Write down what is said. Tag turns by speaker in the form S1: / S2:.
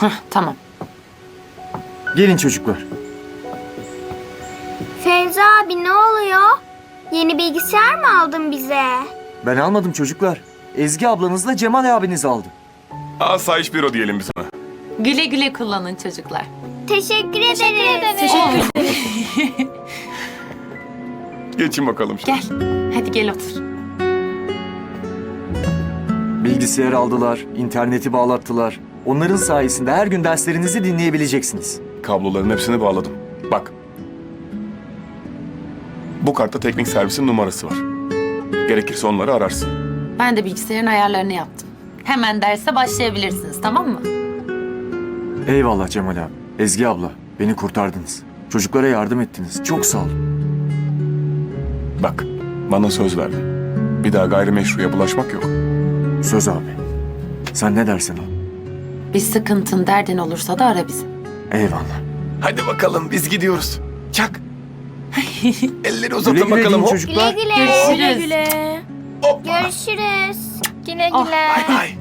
S1: Tamam.
S2: Gelin çocuklar.
S3: Fevzi abi ne oluyor? Yeni bilgisayar mı aldın bize?
S2: Ben almadım çocuklar. Ezgi ablanızla Cemal abiniz aldı.
S4: Asayiş büro diyelim biz ona.
S1: Güle güle kullanın çocuklar.
S3: Teşekkür ederiz.
S4: Geçin bakalım şimdi.
S1: Gel. Hadi gel otur.
S2: Bilgisayar aldılar, interneti bağlattılar. Onların sayesinde her gün derslerinizi dinleyebileceksiniz.
S4: Kabloların hepsini bağladım. Bak. Bu kartta teknik servisin numarası var. Gerekirse onları ararsın.
S1: Ben de bilgisayarın ayarlarını yaptım. Hemen derse başlayabilirsiniz, tamam mı?
S2: Eyvallah Cemal abi. Ezgi abla, beni kurtardınız. Çocuklara yardım ettiniz. Çok sağ olun.
S4: Bak, bana söz verdin. Bir daha gayrimeşruya bulaşmak yok.
S2: Söz abi. Sen ne dersen o.
S1: Bir sıkıntın, derdin olursa da ara bizi.
S2: Eyvallah.
S4: Hadi bakalım biz gidiyoruz. Çak. Elleri
S2: Güle
S4: uzatın
S2: güle
S4: bakalım.
S2: deyin
S4: Hop.
S2: çocuklar.
S3: Güle güle.
S1: Görüşürüz.
S3: Görüşürüz.
S5: Güle
S1: Oh.
S5: güle.
S3: Güle güle.
S4: Bay bay.